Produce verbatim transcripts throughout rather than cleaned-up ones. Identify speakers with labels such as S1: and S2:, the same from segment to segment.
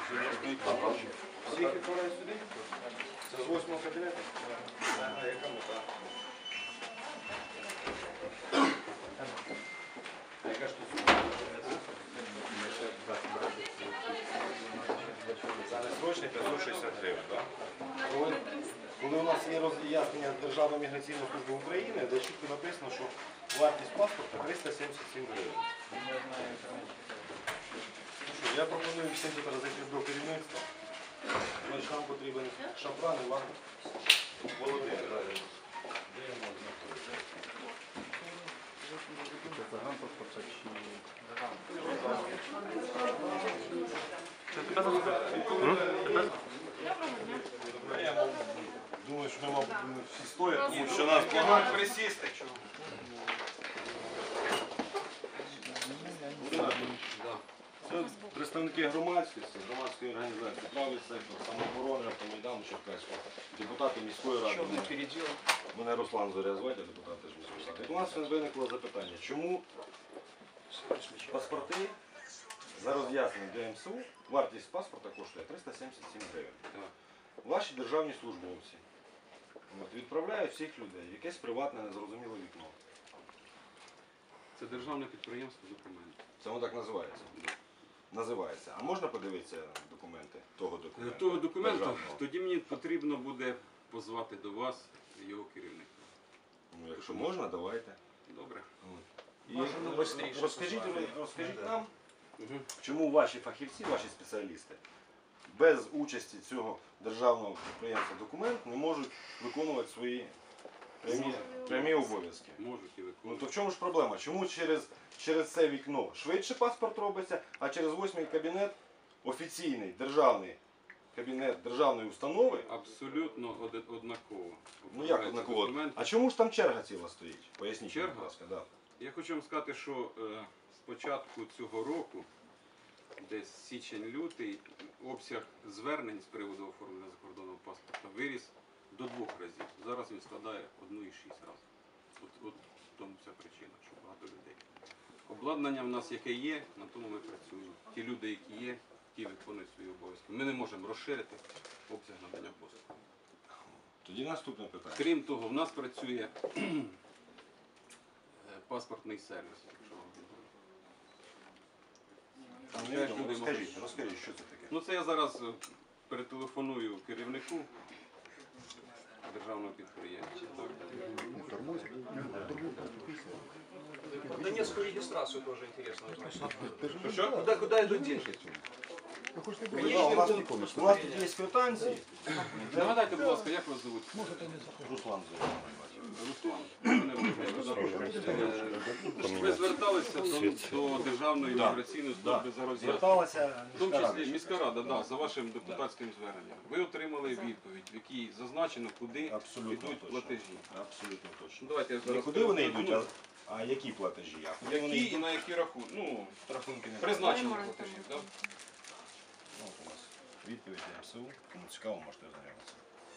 S1: Всіх відправляють сюди? Це з восьмого кабінету? А яка мета? А яка ж тут сума? Це не срочний п'ятсот шістдесят гривень, так? Коли, коли у нас є роз'яснення Державної міграційної служби України, де чітко написано, що вартість паспорта триста сімдесят сім гривень. Я пропоную всім тут розійти до керівництва. Значить, нам потрібен Шапран Іван Володимир. Де я можу знаходитися? Я думаю, що ми, мабуть, всі стоять, тому що нас багато.
S2: Присісти.
S1: Це представники громадськості, громадської організації, правий сектор, самооборони, Автомайдану Черкаського, депутати міської ради. Мене Руслан Зоря звати, депутат теж міської ради. У нас виникло запитання, чому паспорти за роз'ясненням для ем ес у, вартість паспорта коштує триста сімдесят сім гривень. Ваші державні службовці от, відправляють всіх людей в якесь приватне незрозуміле вікно.
S3: Це державне підприємство документів.
S1: Це воно так називається? Називається. А можна подивитися документи того документу?
S3: Того документу,
S1: державного?
S3: тоді мені потрібно буде позвати до вас його керівника.
S1: Ну, якщо можна, давайте.
S3: Добре.
S1: І розкажіть, розкажіть нам, чому ваші фахівці, ваші спеціалісти без участі цього державного підприємства «Документ» не можуть виконувати свої прямі, прямі обов'язки.
S3: Можуть і
S1: Ну
S3: виконувати.
S1: то в чому ж проблема? Чому через, через це вікно швидше паспорт робиться, а через восьмий кабінет, офіційний державний кабінет державної установи?
S3: Абсолютно од- однаково.
S1: Ну як однаково?
S3: Документи.
S1: А чому ж там черга ціла стоїть? Поясніть,
S3: Черга?
S1: будь ласка. Да.
S3: Я хочу вам сказати, що е, з початку цього року, десь січень-лютий, обсяг звернень з приводу оформлення закордонного паспорта виріс до двох разів. Зараз він складає одну і шість разів. От, от в тому вся причина, що багато людей. Обладнання в нас яке є, на тому ми працюємо. Ті люди, які є, ті виконують свої обов'язки. Ми не можемо розширити обсяг надання послуг.
S1: Тоді наступне питання.
S3: Крім того, в нас працює паспортний сервіс. Якщо вам
S1: Ну,
S3: Теж
S1: ну,
S3: люди
S1: розкажіть,
S3: можуть.
S1: розкажіть, що це таке?
S3: Ну це я зараз е, перетелефоную керівнику державного підприємства.
S2: Про Донецкую регистрацию тоже интересно узнать.
S3: Що?
S2: Куда, куда идут деньги?
S1: Да, у, нас, у нас тут є квитанції.
S3: Нагадайте, будь ласка, як вас звуть?
S1: Руслан Зоря.
S3: Руслан. Мене Володимир. Е, Ви зверталися до, до Державної
S1: Да.
S3: міграційної
S1: Да.
S3: служби за роз'яснення.
S1: Зверталася
S3: В тому
S1: міська
S3: числі
S1: рада.
S3: міська рада, да, за вашим депутатським зверненням. Ви отримали відповідь, в якій зазначено, куди
S1: Абсолютно
S3: йдуть
S1: точно.
S3: платежі.
S1: Абсолютно точно.
S3: Ну, давайте я
S1: Не
S3: зараз
S1: куди вони
S3: перезвоню.
S1: йдуть, а, а які платежі? А куди вони
S3: Які і
S1: йдуть?
S3: на які рахунки? Ну,
S1: Рахунки не
S3: призначені платежі. Да?
S1: Ну, от у нас відповідь ем ес у. Кому цікаво, можете ознайомитися.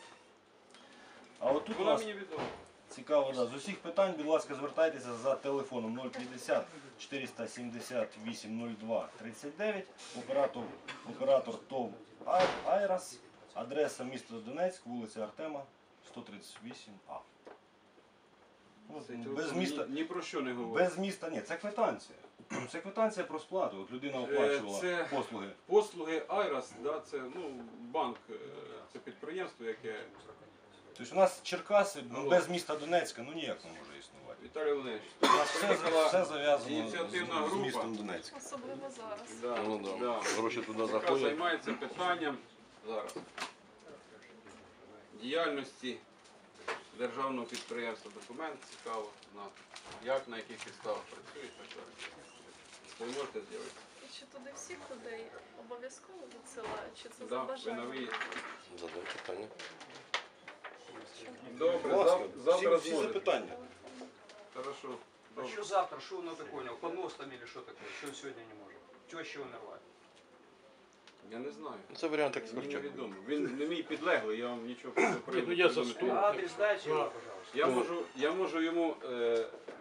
S1: А от тут у
S3: Вона
S1: нас
S3: мені відома.
S1: цікаво, да. З усіх питань, будь ласка, звертайтеся за телефоном нуль п'ятдесят чотириста сімдесят вісім нуль два тридцять дев'ять, оператор, оператор ТОВ «Ай- Айрас, адреса місто Донецьк, вулиця Артема, сто тридцять вісім А. Ну,
S3: Цей
S1: без
S3: телефон
S1: міста,
S3: ні, ні про що не говорить.
S1: без міста, ні, це квитанція. Це квитанція про сплату. От людина
S3: Е,
S1: оплачувала
S3: це-
S1: послуги.
S3: Послуги Айрас, да, це ну, банк, е, це підприємство, яке
S1: Тобто у нас Черкаси ну,
S3: Ну,
S1: без міста Донецька ну ніяк не може існувати.
S3: Віталій Володимирович,
S1: У нас все,
S3: приїхала
S1: все зав'язано
S3: ініціативна
S1: з, з
S3: група.
S1: містом Донецьк.
S4: Особливо зараз.
S3: Да,
S5: Ну, да.
S3: да.
S5: Гроші туди
S3: яка
S5: заходять.
S3: займається питанням зараз діяльності державного підприємства «Документ». Цікаво, на, як, на яких підставах працює, так далі. Ви можете з'явитися?
S4: І чи туди всіх людей обов'язково відсилають, чи це за
S3: Да, ви на
S4: бажанням?
S3: виїзді.
S5: Задай питання.
S3: Добре,
S1: Будь ласка,
S3: зав- завтра
S1: всі, всі
S3: зможете.
S1: запитання.
S3: Хорошо.
S2: А
S3: Добре.
S2: что завтра? Что он это понял? Понос там или что такое? Что он сегодня не может? Теща умерла.
S3: Я не знаю.
S5: Це варіант
S3: Мені
S5: експертів.
S3: невідомо. Він не мій підлеглий, я вам нічого про
S5: ну, я за
S3: повідомити
S5: стол.
S3: не
S2: А
S3: можу.
S2: адрес дайте его, пожалуйста.
S3: Я можу, я можу йому е, влаштувати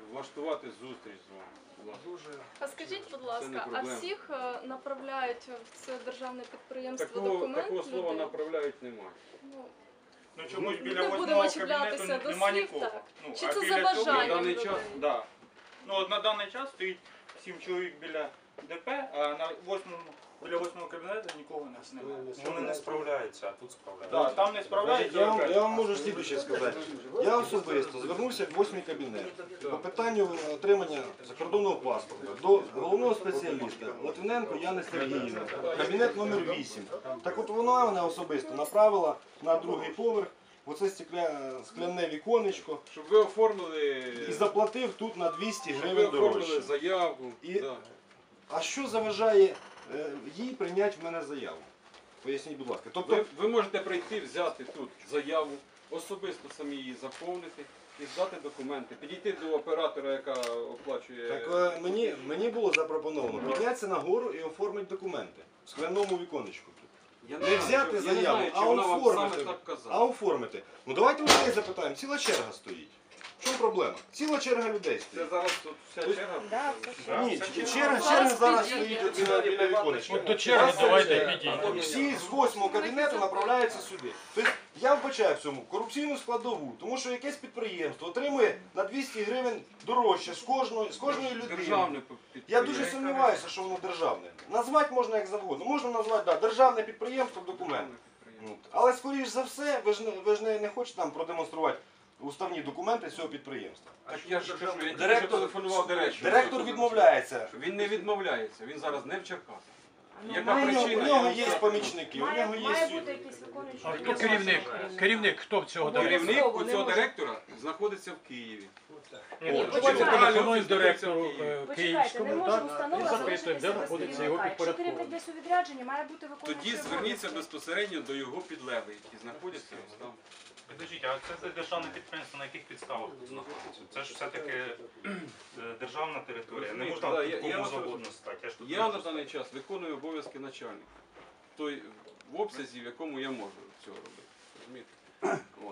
S3: організувати зустріч з вами. Будь ласка.
S2: Дуже
S4: А скажіть, будь
S3: Це не
S4: ласка, а
S3: проблема.
S4: всіх е, направляють в це державне підприємство
S3: Такого,
S4: документ
S3: такого слова
S4: людей?
S3: направляють немає.
S4: Ну,
S5: Ну чомусь біля
S4: не
S5: восьмого
S4: будемо
S5: кабінету
S4: чіплятися до
S5: нема
S4: слів,
S5: нікого.
S4: так.
S5: Ну,
S4: Чи
S5: а
S4: це
S5: біля
S4: за
S5: цього-
S3: На
S4: бажанням
S3: даний
S4: людей?
S3: час,
S5: Да. Ну от на даний час стоїть сім чоловік біля ДП, а на восьмому, біля восьмого кабінету нікого у нас немає.
S6: Вони не справляються, а тут справляються.
S5: Да, там не справляється.
S1: Я вам, я вам можу слідуюче сказати. Я особисто звернувся в восьмий кабінет по питанню отримання закордонного паспорта до головного спеціаліста Литвиненко Яни Сергіївни, кабінет номер вісім. Так от вона мене особисто направила на другий поверх, оце стекля, скляне віконечко,
S3: щоб ви оформили,
S1: і заплатив тут на двісті
S3: щоб ви
S1: гривень
S3: оформили
S1: дорожче.
S3: заяву.
S1: І-
S3: Да.
S1: А що заважає е, їй прийняти в мене заяву? Поясніть, будь ласка. Тобто,
S3: Ви, ви можете прийти, взяти тут заяву, особисто самі її заповнити і здати документи. Підійти до оператора, яка оплачує.
S1: так е, мені, мені було запропоновано піднятися на гору і оформити документи в скляному віконечку.
S3: Я
S1: Не
S3: знаю,
S1: взяти
S3: я не
S1: заяву,
S3: знаю,
S1: а
S3: чи вона вам
S1: оформити.
S3: саме так казала.
S1: А оформити. Ну давайте у людей запитаємо, ціла черга стоїть. В чому проблема? Ціла черга людей
S3: Це
S1: стоїть.
S3: зараз тут вся
S1: Тобто-
S3: черга.
S6: Да,
S1: Ні,
S6: все
S1: ч-
S6: ще.
S1: черга, черга зараз стоїть от біля біля віконечка.
S7: От до черги давайте підійдемо.
S1: Всі з восьмого кабінету направляються сюди. Тобто я вбачаю в цьому корупційну складову, тому що якесь підприємство отримує на двісті гривень дорожче з кожної, з кожної людини.
S3: Державне
S1: Я
S3: підприємство.
S1: дуже сумніваюся, що воно державне. Назвати можна як завгодно. Можна назвати да, державне підприємство документ. Ну, але скоріш за все, ви ж не, ви ж не, не хочете там продемонструвати уставні документи цього підприємства.
S3: Так я ж кажу, я
S1: Директор-
S3: директор телефонував директору.
S1: Директор відмовляється.
S3: Він не відмовляється, він зараз не в Черкасах.
S6: Ну,
S3: Яка
S1: У нього,
S3: причина?
S1: у нього
S3: Я
S1: є
S3: вам
S1: помічники, у
S6: Має,
S1: нього
S6: має
S1: є.
S6: бути якийсь виконуючий.
S7: А хто
S6: обов'язки.
S7: керівник? Керівник хто в цього директора?
S3: Керівник у
S6: не
S3: цього
S6: може.
S3: директора знаходиться в Києві.
S6: Ні,
S7: Ми
S6: почекайте.
S7: телефонуємо директору е,
S6: Почекайте, не
S7: Київському,
S6: може
S7: так?
S6: установа
S7: І запитуємо,
S6: залишитися
S7: де
S6: без
S7: знаходиться його
S6: керівника. Якщо керівник
S7: підпорядкований.
S6: десь у відрядженні, має бути виконуючий
S3: Тоді зверніться
S6: обов'язки.
S3: безпосередньо до його підлеглих, які знаходяться ось там.
S5: Підождіть, а це, це державне підприємство на яких підставах тут знаходиться? Це ж все-таки е, державна територія. Не можна
S3: Да, я-
S5: тут
S3: я
S5: кому
S3: вас
S5: завгодно стати. Я ж тут
S3: Я на
S5: просто-
S3: даний час виконую обов'язки начальника. Той в обсязі, в якому я можу цього робити. Розумієте? От.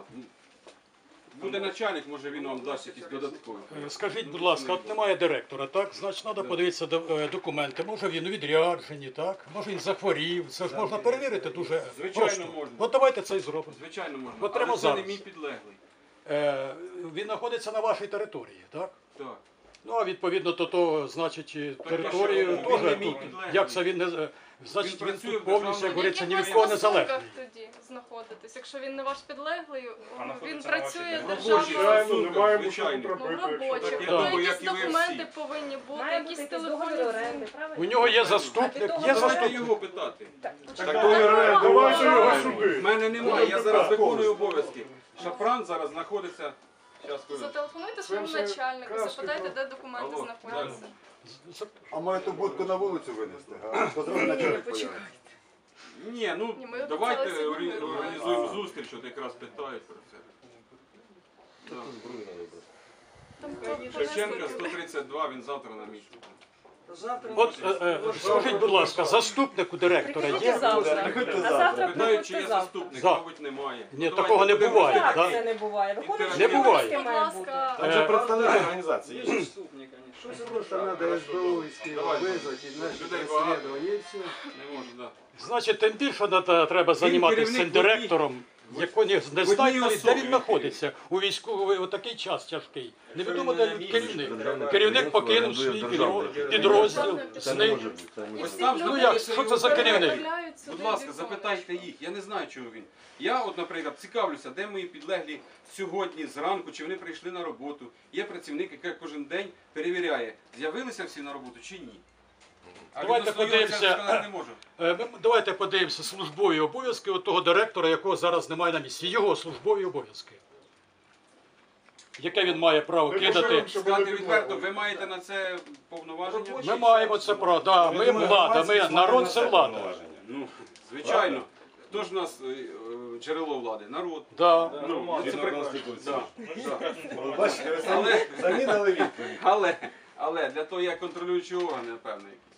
S3: Буде начальник, може він вам дасть якісь додаткові.
S7: Е, Скажіть, будь ласка, от немає директора, так? Значить, треба подивитися до- е, документи. Може він у відрядженні, так? Може він захворів. Це ж можна перевірити дуже
S3: Звичайно,
S7: просто.
S3: можна.
S7: От давайте це і зробимо.
S3: Звичайно можна.
S7: От прямо
S3: Але це не
S7: зараз.
S3: мій підлеглий.
S7: Е, Він знаходиться на вашій території, так?
S3: Так.
S7: Ну, а відповідно до того, значить, і
S3: Так,
S7: територію
S3: а що, він не
S7: теж
S3: мій
S7: тут.
S3: підлеглий.
S7: Як це він не з- значить,
S3: Він
S7: він
S3: працює
S7: тут
S3: в
S7: повністю,
S3: державному-
S7: як говориться, ні від
S4: яких
S7: кого
S4: ви
S7: не
S4: стосунках
S7: залежний.
S4: тоді знаходитесь? Якщо він не ваш підлеглий,
S5: А
S4: він
S5: знаходиться на вашій
S4: працює
S5: території.
S3: Робочий,
S4: державною.
S3: ну, немає звичайно.
S4: Ну, робочі.
S3: Так,
S4: Ну,
S3: я думаю,
S4: якісь
S3: як і ви
S4: документи
S3: всі.
S4: повинні бути,
S6: Має бути
S4: якісь
S6: якийсь
S4: телефонні
S6: договір оренди,
S4: дзвінки.
S6: правильно?
S7: У нього є
S6: А
S7: заступник,
S6: від того
S7: є
S6: давайте
S3: Давайте
S7: заступник.
S3: його питати.
S6: Так,
S4: Так,
S6: почекайте.
S5: давайте його
S3: В мене немає, я зараз виконую обов'язки. Шапран зараз знаходиться. Щас, хвилинку.
S4: Зателефонуйте своєму начальнику, запитайте, де документи
S3: Алло,
S4: знаходяться.
S8: А має ту будку на вулицю винести? А? Позвони
S6: Ні,
S8: начальник
S6: почекайте.
S3: Ні, ну
S4: Ні, ми
S3: давайте
S4: обіцяли сьогодні.
S3: орі- організуємо зустріч, от якраз питають про це. Да.
S4: Там
S3: Шевченка
S4: понесли-
S3: сто тридцять два, він завтра на місці.
S7: От е, е, скажіть, будь ласка, заступнику директора
S6: Приходьте
S7: є?
S6: завтра.
S8: Приходьте
S6: А
S8: завтра.
S6: завтра
S3: Питають, чи є
S6: приходьте завтра.
S3: заступник,
S7: За.
S3: мабуть, немає.
S7: Ні,
S3: Давайте
S7: такого не
S3: будемо
S7: буває,
S3: розглядати.
S7: так?
S6: Як це не буває? Виконуючий
S7: Не буває.
S6: обов'язки
S4: Будь
S6: має бути.
S4: ласка,
S1: Там же
S7: Е,
S1: представник організації є.
S3: Заступник, конечно.
S8: Щось просто треба СБУ
S3: Давай.
S8: визвати, знаєш,
S3: Людей багато.
S8: розслідування і все.
S3: Не можу, так.
S7: Значить, тим більше треба, треба займатися цим
S3: керівник в одній-
S7: директором, який не, не
S3: одній
S7: знає навіть, де
S3: особі
S7: він знаходиться. У військовий отакий час тяжкий. Невідомо, де він керівник. Керівник покинув свій підро- підрозділ,
S8: Це не
S7: зник.
S8: може бути. Це не
S4: і
S8: може
S3: Ось
S4: всіх
S3: там
S4: людей
S7: Ну як, що це за керівник?
S4: направляють сюди
S3: Будь ласка,
S4: в
S3: запитайте їх. Я не знаю, чого він. Я, от, наприклад, цікавлюся, де мої підлеглі сьогодні зранку, чи вони прийшли на роботу. Є працівник, який кожен день перевіряє, з'явилися всі на роботу чи ні. А
S7: Давайте
S3: відносно його я
S7: подивимося.
S3: сказати не можу.
S7: Е, Ми, давайте подивимося службові обов'язки от того директора, якого зараз немає на місці. Його службові обов'язки. Яке він має право кидати.
S3: Сказати відверто, ви маєте на це повноваження?
S7: Ми маємо це право. Да, ми влада, ми народ це влада.
S3: Ну, звичайно. Хто ж у нас е, е, джерело влади? Народ.
S7: Да.
S3: Ну, це
S1: Згідно
S3: прекрасно.
S1: Конституції.
S3: Да.
S1: Ну, бачите, ви самі,
S3: Але-
S1: самі дали відповідь.
S3: Але, але для того є контролюючі органи, напевно, якісь.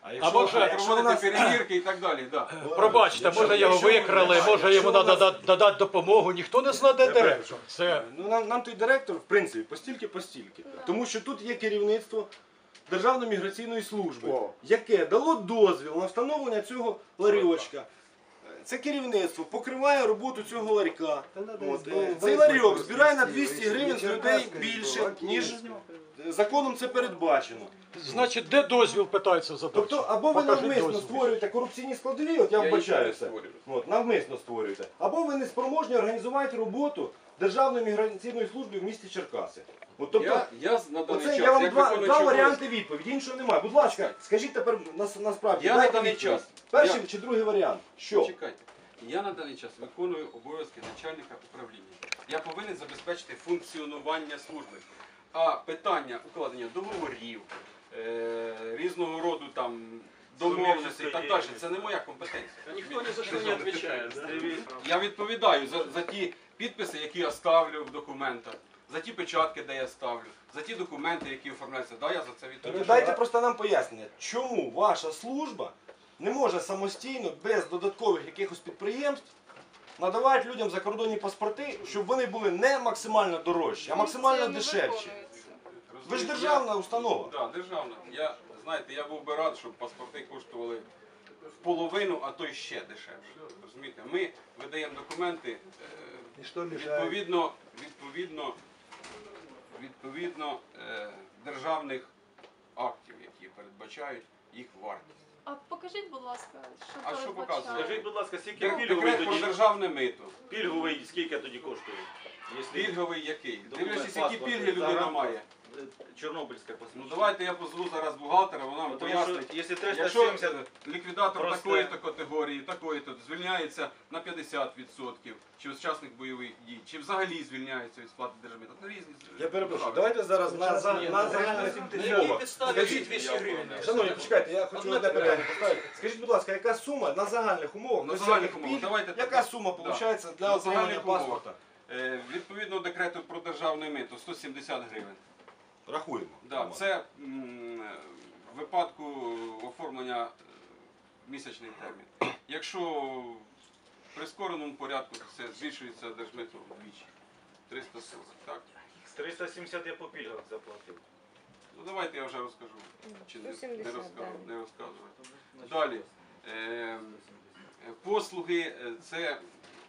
S1: А
S7: А може,
S1: а якщо у
S3: проводити
S1: нас...
S3: перевірки і так далі. Да.
S7: Пробачте,
S1: Якщо-
S7: може його
S1: якщо-
S7: викрали,
S1: якщо
S7: може йому
S1: у нас-
S7: треба додати допомогу, ніхто не знає, де
S1: Тепер-
S7: директор. Це
S1: Ну, нам, нам той директор, в принципі, постільки постільки. Тому що тут є керівництво Державної міграційної служби,
S8: О.
S1: яке дало дозвіл на встановлення цього ларьочка. Це керівництво покриває роботу цього ларька. От, е, Цей ларьок збирає на двісті гривень з людей більше, ніж законом це передбачено.
S7: значить, де дозвіл питається задати?
S1: Тобто, або ви
S7: Покажіть
S1: навмисно
S7: дозвіл.
S1: створюєте корупційні складові, от я
S3: Я їх
S1: вбачаюся,
S3: не створюю.
S1: от, навмисно створюєте, або ви не спроможні організувати роботу Державної міграційної служби в місті Черкаси. От, тобто,
S3: Я, я на даний
S1: оце
S3: час,
S1: я вам
S3: як
S1: два,
S3: виконуючий
S1: два
S3: обов'язки-
S1: варіанти відповіді, іншого немає. Будь ласка, скажіть тепер нас, насправді,
S3: Я на
S1: дайте
S3: даний
S1: відповідь.
S3: час-
S1: Перший
S3: я-
S1: чи другий варіант? Що?
S3: Чекайте. Я на даний час виконую обов'язки начальника управління. Я повинен забезпечити функціонування служби. А питання укладення договорів, е, різного роду там домовленостей і так далі, це не моя компетенція.
S2: Никто ни за что не отвечает. Да?
S3: Я відповідаю за, за ті підписи, які я ставлю в документах, за ті печатки, де я ставлю, за ті документи, які оформляються. Да, я за це
S1: Тоді
S3: відповідаю.
S1: дайте просто нам пояснення, чому ваша служба не може самостійно, без додаткових якихось підприємств, надавати людям закордонні паспорти, щоб вони були не максимально дорожчі, а максимально
S4: Функція не
S1: дешевші.
S4: виконується.
S1: Ви ж
S3: Розумієте,
S1: державна
S3: я-
S1: установа.
S3: Так, державна. Я, знаєте, я був би рад, щоб паспорти коштували в половину, а то й ще дешевше. Розумієте, ми видаємо документи е, відповідно, відповідно, відповідно е, державних актів, які передбачають їх вартість.
S4: А покажіть, будь ласка, що
S3: А що
S4: передбачає?
S3: показує?
S9: Скажіть, будь ласка, скільки
S3: Дек-
S9: пільговий
S3: Декрет про
S9: тоді?
S3: державне мито.
S9: Пільговий скільки тоді коштує? Якщо
S3: Пільговий який?
S9: Документ,
S3: Дивлячись, які
S9: паспорт,
S3: пільги людина
S9: загранпаспорт.
S3: має.
S9: Чорнобильська
S3: Ну
S9: посвідчення.
S3: давайте я позву зараз бухгалтера, вона вам
S9: Ну, тому
S3: пояснить.
S9: що, якщо триста
S3: Якщо
S9: сімдесят,
S3: ліквідатор
S9: просте.
S3: такої-то категорії, такої-то звільняється на п'ятдесят відсотків, чи учасник бойових дій, чи взагалі звільняється від сплати держмита. Це різні.
S1: Я перепрошую, давайте зараз на, за- на загальних мовах.
S2: Скажіть двісті гривень.
S1: Шановні, почекайте, я хочу одне питання поставити. Скажіть, будь ласка, яка сума на загальних умовах,
S3: На
S1: без
S3: загальних
S1: всяких
S3: умовах,
S1: пільг,
S3: давайте
S1: яка
S3: так.
S1: сума
S3: Да.
S1: виходить для
S3: На
S1: отримання
S3: загальних умовах.
S1: паспорта?
S3: Е, відповідно декрету про державне мито сто сімдесят гривень.
S1: Рахуємо.
S3: Да, це м, в випадку оформлення е, місячний термін. Якщо в прискореному порядку, то це збільшується держмито вдвічі. триста сорок, так?
S9: триста сімдесят я по пільгах заплатив.
S3: Ну давайте я вже розкажу. Чи не,
S6: сто сімдесят,
S3: не, розкажу,
S6: да.
S3: не розказувати. Далі. Е, послуги е, це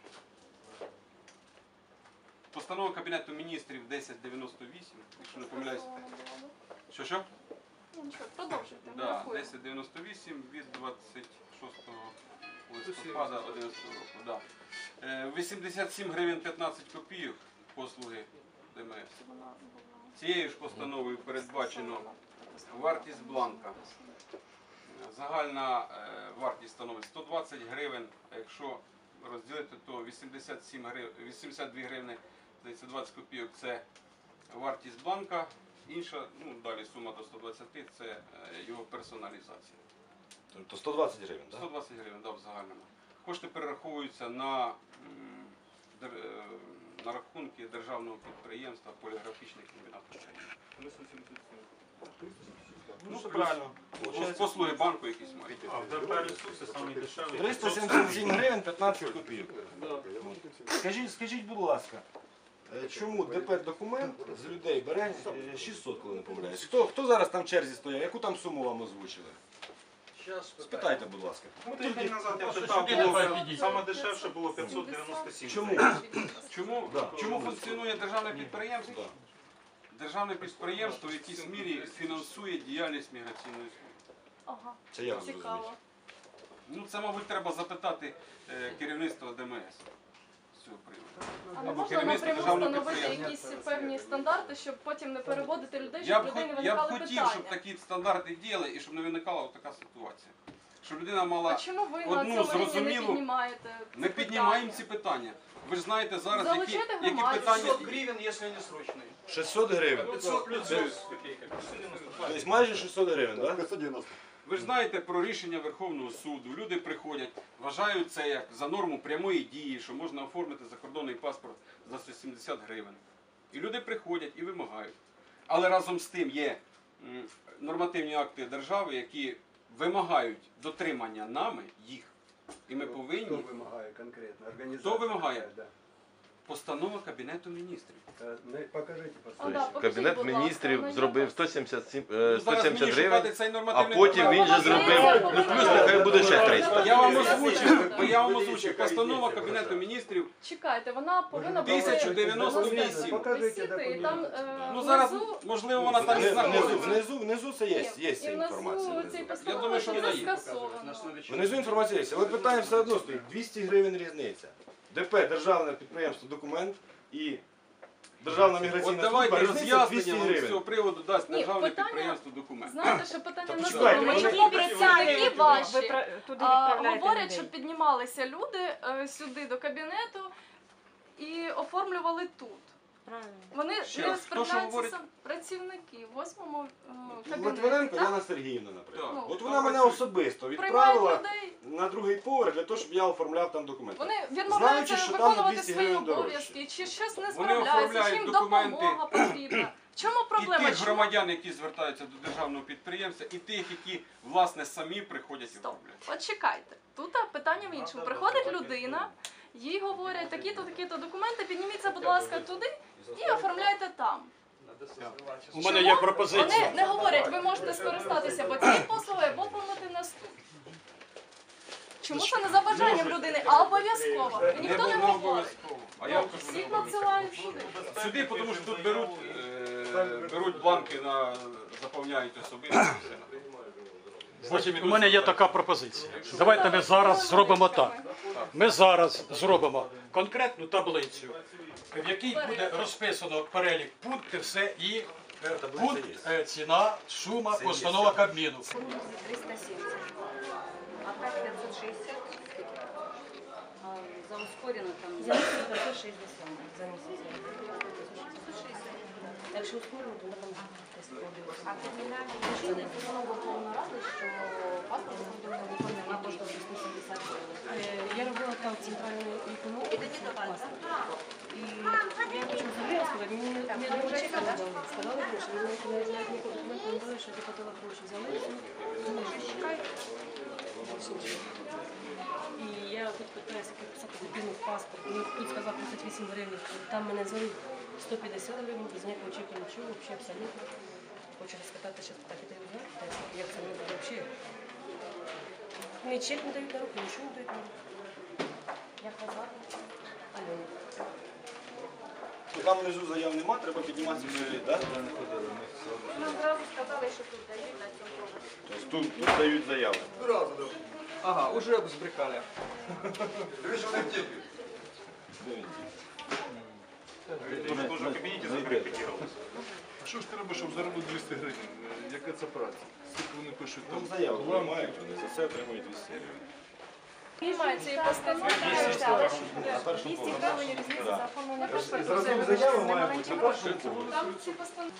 S3: постанова Кабінету міністрів десять дев'яносто вісім, якщо не помиляюсь. Що що?
S4: Ну, нічого, продовжуйте, ми
S3: Да,
S4: рахуємо.
S3: десять дев'яносто вісім від двадцять шостого листопада одинадцятого року. Да. Е, вісімдесят сім гривень п'ятнадцять копійок послуги ДМС.
S4: Вона була
S3: Цією ж постановою передбачено вартість бланка. Загальна е, вартість становить сто двадцять гривень, а якщо розділити, то вісімдесят сім гривень, вісімдесят дві гривні, здається, двадцять копійок це вартість бланка. Інша, ну далі сума до сто двадцять, це е, його персоналізація.
S1: Тобто сто двадцять гривень, так?
S3: сто двадцять гривень, да, в загальному. Кошти перераховуються на, м, дер- е, на рахунки державного підприємства поліграфічний комбінат України.
S1: Ну, все правильно.
S3: Ось послуги банку якісь мають.
S9: А в ДП ресурси самі дешеві.
S1: триста сімдесят сім гривень п'ятнадцять копійок. Скажіть, скажіть, будь ласка, е, чому ДП документ з людей бере е, шістсот, коли не помиляюсь? Хто, хто зараз там в черзі стояв? Яку там суму вам озвучили? Спитайте, будь ласка.
S9: Ну, тиждень назад я
S7: Просто
S9: питав,
S7: сюди
S9: було,
S7: давай підійдіть.
S9: саме дешевше було п'ятсот дев'яносто сім.
S1: Чому?
S3: Чому,
S1: Да.
S3: чому функціонує державне підприємство?
S1: Да.
S3: Державне підприємство в якійсь мірі фінансує діяльність міграційної служби.
S4: Ага,
S1: Це як зрозуміти?
S4: цікаво.
S3: Ну це, мабуть, треба запитати е, керівництво ДМС з цього приводу.
S4: А не
S3: Або
S4: можна
S3: керівництво
S4: напряму
S3: державного
S4: встановити
S3: підприємства.
S4: якісь певні стандарти, щоб потім не переводити людей,
S3: Я
S4: щоб
S3: б,
S4: людей не
S3: хот- я б
S4: виникали
S3: хотів,
S4: питання.
S3: щоб такі стандарти діяли і щоб не виникала така ситуація. Щоб людина
S4: А
S3: мала.
S4: чому ви
S3: одну
S4: на цьому рівні не
S3: зрозумілу-
S4: піднімаєте
S3: Ми
S4: ці
S3: піднімаємо
S4: питання?
S3: ці питання. Ви ж знаєте зараз, які,
S4: Залучайте
S3: які
S4: громаду.
S3: питання.
S2: пятьсот гривен, если они срочные.
S1: шістсот гривень.
S2: пятьсот плюс
S1: Тобто майже шістсот гривень, так?
S8: п'ятсот дев'яносто.
S3: Ви ж знаєте про рішення Верховного суду. Люди приходять, вважають це як за норму прямої дії, що можна оформити закордонний паспорт за сто сімдесят гривень. І люди приходять і вимагають. Але разом з тим є м, нормативні акти держави, які вимагають дотримання нами їх. І ми
S8: Хто
S3: повинні.
S8: вимагає конкретно? Організація.
S3: Хто вимагає?
S8: Да.
S3: Постанова Кабінету міністрів.
S8: Е, не- Покажіть,
S4: А,
S8: пожалуйста.
S4: да, покажіть,
S10: Кабінет
S4: будь ласка,
S10: міністрів
S4: ну,
S10: зробив
S4: якось.
S10: сто сімдесят сім,
S3: Ну,
S10: е,
S3: зараз
S10: сто
S3: мені
S10: сімдесят
S3: шукати
S10: гривень,
S3: цей
S10: а
S3: нормативний
S10: потім
S3: документ.
S10: він же зробив, ну плюс нехай буде ще триста.
S3: Я вам озвучив, бо я вам озвучив. Постанова Кабінету міністрів.
S4: Чекайте, вона повинна бути
S3: тисяча дев'яносто вісім.
S8: Покажіть
S4: висіти, і
S8: документ.
S4: там е,
S3: Ну зараз,
S4: внизу-
S3: можливо, вона там і
S1: Внизу,
S3: знаходиться.
S1: внизу, внизу це є, є ця
S4: і
S1: інформація.
S4: внизу цієї
S1: Внизу.
S4: постанови
S3: думаю, що
S4: це
S3: вона є.
S4: скасовано.
S1: Внизу інформація є, але питання все одно стоїть. двісті гривень різниця. ДП, державне підприємство «Документ» і Державна
S3: От
S1: міграційна
S3: давайте
S1: служба, різниця двісті
S3: роз'яснення вам з
S1: гривень.
S3: цього приводу дасть
S4: Ні,
S3: державне
S4: питання-
S3: підприємство документ.
S4: Знаєте, що питання
S1: Та
S4: не
S1: почекайте,
S4: тому,
S1: вони-
S4: чому працівники ваші
S6: Ви про- туди
S4: а,
S6: відправляєте
S4: говорять,
S6: людей.
S4: що піднімалися люди е, сюди до кабінету і оформлювали тут.
S6: Правильно.
S4: Вони
S3: Ще
S4: не
S3: раз, хто що
S4: справляються
S3: говорить?
S4: сам працівники в восьмому е, кабінеті.
S1: Литвиненко
S4: так?
S1: Яна Сергіївна, наприклад.
S4: Так.
S1: От вона мене особисто
S4: Приймають
S1: відправила
S4: людей.
S1: на другий поверх для того, щоб я оформляв там документи.
S4: Вони
S1: Знаючи,
S4: відмовляються
S1: що там на
S4: виконувати
S1: двісті
S4: свої
S1: гривень дорожче.
S4: обов'язки, чи щось не
S3: Вони
S4: справляються, чи
S3: оформляють
S4: їм
S3: документи.
S4: допомога потрібна. В чому
S3: І
S4: проблема?
S3: тих
S4: Чому-
S3: громадян, які звертаються до державного підприємства, і тих, які, власне, самі приходять і
S4: Стоп.
S3: оформляють.
S4: От чекайте. Тут а, питання в іншому. Приходить людина, їй говорять, такі-то, такі-то документи, підніміться, будь ласка, туди і оформляйте там.
S7: У мене є пропозиція.
S4: Вони не говорять, ви можете скористатися або цією послугою, або оформити нас тут. Чому це не за бажанням людини, а обов'язково? І ніхто не
S3: було
S4: говорить.
S3: обов'язково. А я
S4: Ну,
S3: кажу, не
S4: всіх
S3: обов'язково.
S4: надсилають сюди.
S3: Сюди, тому що тут беруть, е, беруть бланки на заповняють особисто.
S7: Значить, у мене є така пропозиція. Давайте ми зараз зробимо так. Ми зараз зробимо конкретну таблицю, в якій буде розписано перелік пунктів, все і е, пункт, е, ціна, сума, постанова Кабміну.
S6: триста сімдесят. А так п'ятсот шістдесят. А за ускорено там. За місяць п'ятсот шістдесят. За місяць. Якщо ускорено, то там десь подивитися. А кримінальні рішення постанова Верховної Ради, що паспорт буде виконання коштує шістсот сімдесят гривень. Я робила там центральну економіку. Паспорт. І я хочу взагалі розказати, мені не не дуже чесно дали. Сказали гроші, мені навіть навіть ніколи документи не дали, що я платила гроші. Взяли, ну, чекай. І я тут питаюся, як писати дитину в паспорт. Мені тут сказав тридцять вісім гривень, там мене звали сто п'ятдесят гривень, без ніякого чеку нічого, взагалі абсолютно. Хочу розпитати, що так і дають, як це не буде взагалі. Мені чек не дають на руки, нічого не дають на руки. Як вас звати? Альона.
S1: Там внизу заяв нема, треба підніматися вниз, так?
S6: Нам зразу сказали, що тут дають на цьому поверсі.
S1: Тобто тут, тут дають заяви.
S2: Ага, уже збрехали.
S9: Дуже дуже в кабінеті закрепетировалось.
S8: А що ж треба, щоб заробити двісті гривень? Яка це праця? Скільки вони пишуть
S1: Там
S8: там?
S1: заяви приймають, вони за це отримують двісті гривень.
S4: Приймають цієї постанови.
S1: На першому
S6: двісті
S1: поверсі.
S6: гривень різниця за оформлення паспорту.
S1: Зразок заяви має бути на першому поверсі.
S4: Там ці постанови.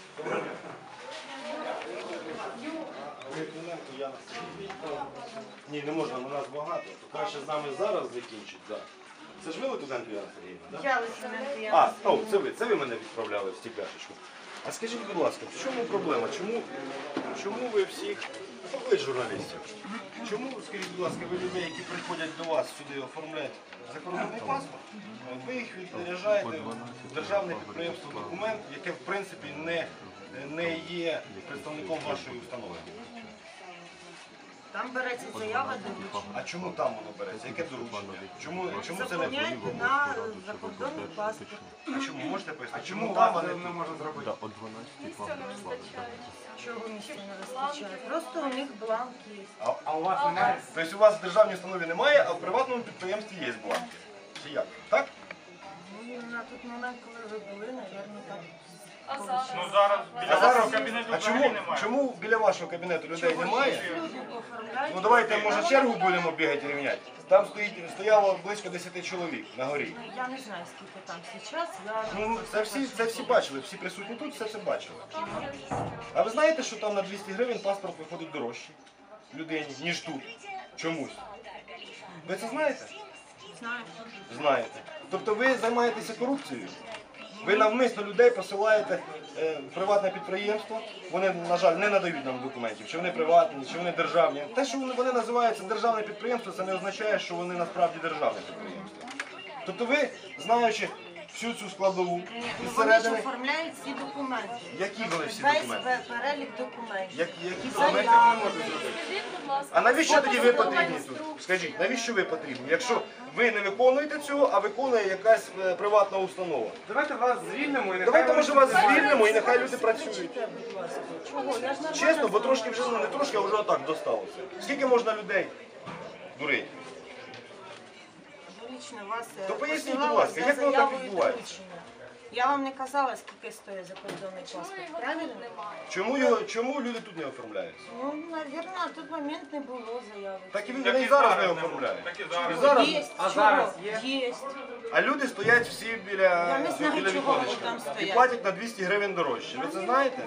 S1: Литвиненко Яна Сергіївна. Ні, не можна, у нас багато. То краще з нами зараз закінчить. Да. Це ж ви Литвиненко Яна Сергіївна, так?
S6: Я Лисененко, я
S1: А, о, це ви, це ви мене відправляли в стекляшечку. А скажіть, будь ласка, в чому проблема? Чому, чому ви всіх, ви журналістів, чому, скажіть, будь ласка, ви людей, які приходять до вас сюди оформляють закордонний паспорт, ви їх відряджаєте в державне підприємство «Документ», яке в принципі не, не є представником вашої установи?
S11: Там береться заява доручення.
S1: А чому там воно береться? Яке доручення? Чому, чому це не
S11: Заповняйте на закордонний паспорт.
S1: А чому можете пояснити? Чому там а не тут?
S4: Місця не вистачає.
S11: Чого місця не вистачає? Просто у них бланк є.
S1: А, а у вас немає? Тобто у вас в державній установі немає, а в приватному підприємстві є бланки. Чи як? Так?
S11: Ну, на той момент, коли ви були, напевно, так.
S4: А зараз?
S9: Ну зараз
S1: А
S9: біля
S1: зараз,
S9: вашого кабінету
S1: а
S9: взагалі
S1: чому,
S9: немає.
S1: чому біля вашого кабінету людей немає?
S11: Люди оформляють.
S1: Ну давайте, може, чергу будемо бігати рівняти. Там стоїть, стояло близько десяти чоловік на горі.
S11: Ну, я не знаю, скільки там зараз. Я...
S1: Ну, це всі, це всі бачили, всі присутні тут, все це бачили. А ви знаєте, що там на двісті гривень паспорт виходить дорожче людині, ніж тут? Чомусь. Ви це знаєте?
S11: Знаю.
S1: Знаєте. Тобто ви займаєтеся корупцією? Ви навмисно людей посилаєте е, в приватне підприємство, вони, на жаль, не надають нам документів, чи вони приватні, чи вони державні. Те, що вони називаються державне підприємство, це не означає, що вони насправді державне підприємство. Тобто ви, знаючи всю цю складову, із
S11: Вони ж
S1: середини,
S11: оформляють всі документи.
S1: які були всі
S11: Весь
S1: документи?
S11: пе- перелік документів.
S1: Як- Які документи
S11: Заяви.
S1: ви можете зробити?
S4: Скажіть, будь ласка,
S1: А навіщо тоді ви
S4: посадова
S1: потрібні тут?
S4: інструкція.
S1: Скажіть, навіщо ви потрібні? Якщо ви не виконуєте цього, а виконує якась е, приватна установа.
S2: Давайте вас звільнимо і
S1: Давайте, може, вас звільнимо і нехай люди працюють.
S11: Читайте, будь ласка. Чого? Я ж нормально
S1: Чесно, бо
S11: знаю.
S1: трошки вже, ну не трошки, а вже отак досталося. Скільки можна людей дурити?
S11: Лично вас е,
S1: То поясніть,
S11: посилала
S1: будь ласка,
S11: за
S1: як воно так
S11: заявою
S1: відбувається?
S11: доручення. Я вам не казала, скільки стоїть закордонний
S4: Чому
S11: паспорт,
S4: його
S11: правильно?
S4: тут немає?
S1: Чому, його, чому люди тут не оформляються?
S11: Ну, навірно, на той момент не було заяви.
S1: Так і він
S9: Так
S1: вони
S9: і
S1: і зараз
S9: зараз
S1: не
S9: не
S1: оформляють.
S9: Так і
S1: І
S9: зараз.
S1: зараз,
S11: Є,
S2: А
S11: чого?
S2: зараз є?
S11: Є.
S1: а люди стоять всі біля,
S11: Я не знаю,
S1: біля
S11: чого вони
S1: віконечка
S11: там
S1: і
S11: стоять.
S1: платять на двісті гривень дорожче. Ви це знаєте?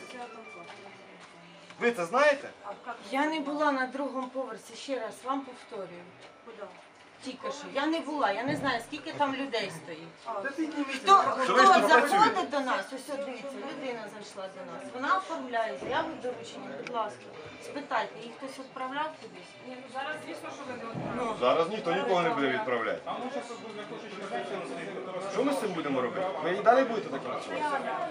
S1: Ви це знаєте?
S11: Я не була на другому поверсі, ще раз вам повторюю. Тільки що. Я не була, я не знаю, скільки там людей стоїть. Хто, хто
S1: ви ж тут
S11: заходить
S1: працюєте?
S11: до нас, ось от дивіться, людина зайшла до нас. Вона оформляє заяву доручення, будь ласка. Спитайте, їх хтось відправляв кудись? Ні, ну зараз, звісно, що ви не
S1: Зараз ніхто нікого не буде відправляти. Що ми з цим будемо робити? Ви і далі будете так працювати?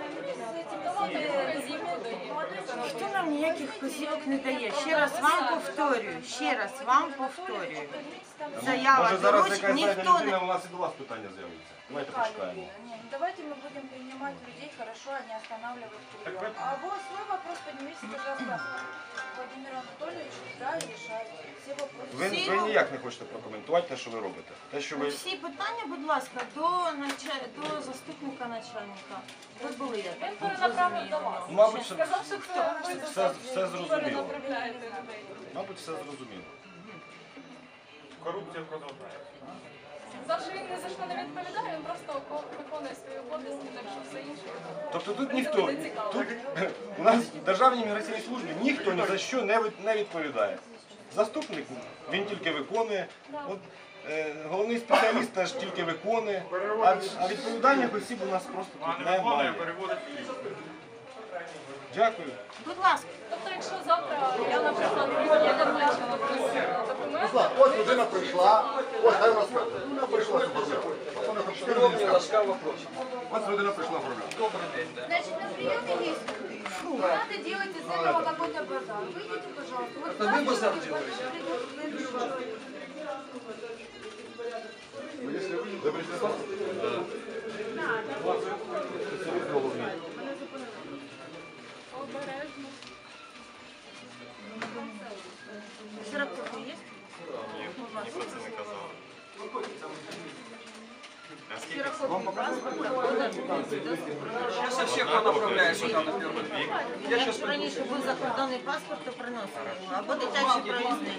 S11: Ніхто нам ніяких вказівок не дає. Ще раз вам повторюю, ще раз вам повторюю. Заява
S1: Може зараз
S11: доручень
S1: якась знайде
S11: ніхто
S1: людина,
S11: не...
S1: у нас і до вас питання з'явиться. Давайте почекаємо.
S12: Давайте мы будем принимать людей хорошо, а не останавливать прием. А вот свой вопрос поднимите, пожалуйста, Владимиру Анатольевичу, да, и решайте все вопросы.
S1: Ви, ви ніяк не хочете прокоментувати те, що ви робите. Те, що ви...
S11: Всі питання, будь ласка, до, нача- до заступника начальника. Ви були, я так
S4: Він перенаправив до
S11: зрозуміла.
S4: вас.
S1: Мабуть, все,
S4: Сказав, що це ви
S1: все, все зрозуміло.
S4: перенаправляєте людей.
S1: Мабуть, все зрозуміло.
S9: Корупція продовжується.
S4: За що він ні за що не відповідає, він просто око- виконує свої обов'язки, так що все інше.
S1: Тобто тут
S4: Мені
S1: ніхто,
S4: це не цікаво.
S1: тут у нас в Державній міграційній службі ніхто ні за що не від- не відповідає. Заступник, він тільки виконує. От, е, головний спеціаліст теж тільки виконує. А, а відповідальних осіб у нас просто
S9: А
S1: тут
S9: не виконує,
S1: немає.
S9: переводить.
S1: Дякую.
S11: Будь ласка.
S4: Тобто, якщо завтра я, наприклад, я не бачила просто документи,
S8: Ось людина прийшла, ось хай розкаже. Вона прийшла оформляти. Вона там чотири місяці. Ось людина прийшла оформляти.
S12: Значит, на приеме есть не надо делать из этого какой-то базар. Выйдите, пожалуйста. Вот
S8: Это вы базар делаете? Ви прийшли паспорт?
S4: обережно.
S11: Сироптики є?
S2: Я со всех направляю сюда на первый.
S11: Якщо раніше був закордонний паспорт, то приносили його. Або дитячий проїзний.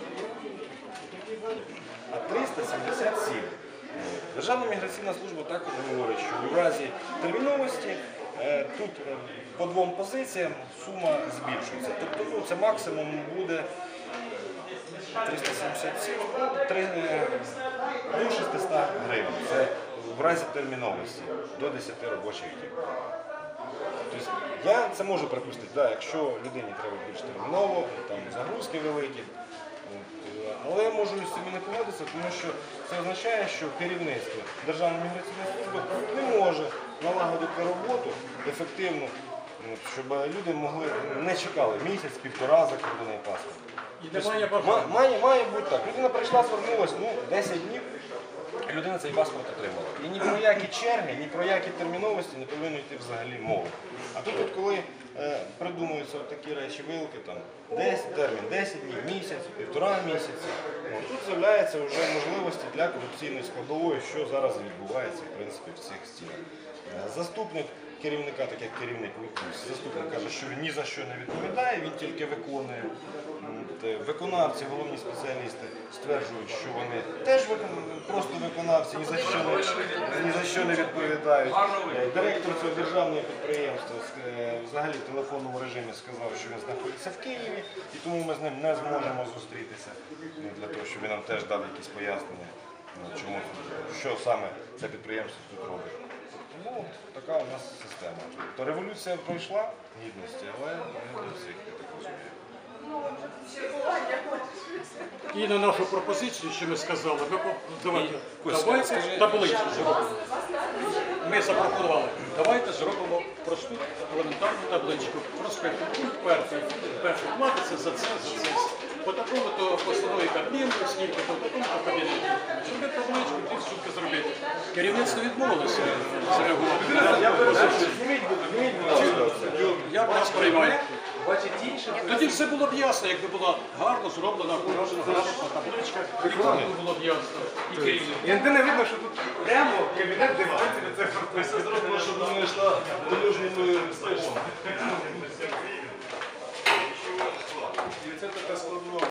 S1: триста сімдесят сім. Державна міграційна служба також говорить, що в разі терміновості е, тут е, по двом позиціям сума збільшується. Тобто ну, це максимум буде триста сімдесят сім, ну, три, е, до шістсот гривень. Це в разі терміновості до десяти робочих днів. Тобто я це можу припустити, да, якщо людині треба більш терміново, там загрузки великі. От, але я можу з цим і не погодитися, тому що це означає, що керівництво Державної міграційної служби не може налагодити роботу ефективно, от, щоб люди могли не чекали місяць, півтора закордонний паспорт.
S7: І немає
S1: Тобто,
S7: бажання.
S1: ма- має, має бути так. Людина прийшла, звернулася, ну, десять днів, людина цей паспорт отримала. І ні про які черги, ні про які терміновості не повинно йти взагалі мови. А тут, от, коли е, придумуються от такі речі, вилки, там, десять, термін десять днів, місяць, півтора місяці, от, тут з'являються вже можливості для корупційної складової, що зараз відбувається в принципі, в цих стінах. Е, Заступник керівника, так як керівник ВІКУС, заступник каже, що він ні за що не відповідає, він тільки виконує. От, е, Виконавці, головні спеціалісти стверджують, що вони теж викон- просто виконавці, ні за що не, ні за що не відповідають. Е, Директор цього державного підприємства е, взагалі в телефонному режимі сказав, що він знаходиться в Києві, і тому ми з ним не зможемо зустрітися ну, для того, щоб він нам теж дав якісь пояснення, ну, чому, що саме це підприємство тут робить. Тому така у нас система. Тобто революція пройшла гідності, але не до всіх, я так розумію.
S7: І на нашу пропозицію, що ми сказали, ми по- давайте,
S1: Костя,
S7: давайте
S1: скажи-
S7: таблицю зробимо. Ми запропонували, давайте зробимо просту елементарну табличку. Розпитку. Пункт перший. Перший платиться за це, за це. По такому то постанові Кабміну, скільки, по такому то кабінету. Щоб ми табличку ті штуки зробити. Керівництво відмовилося зреагувати.
S1: Я перепрошую, зніміть, зніміть, будь ласка.
S7: Я вас приймаю. Тоді все було б ясно, якби була гарно зроблена, акуратна, грамотна табличка, і воно було б ясно. І керівник.
S1: І ніде не видно, що тут прямо кабінет дивиться це прописано. Зроблено, щоб вона йшла дорожніми стежками. І це така складна.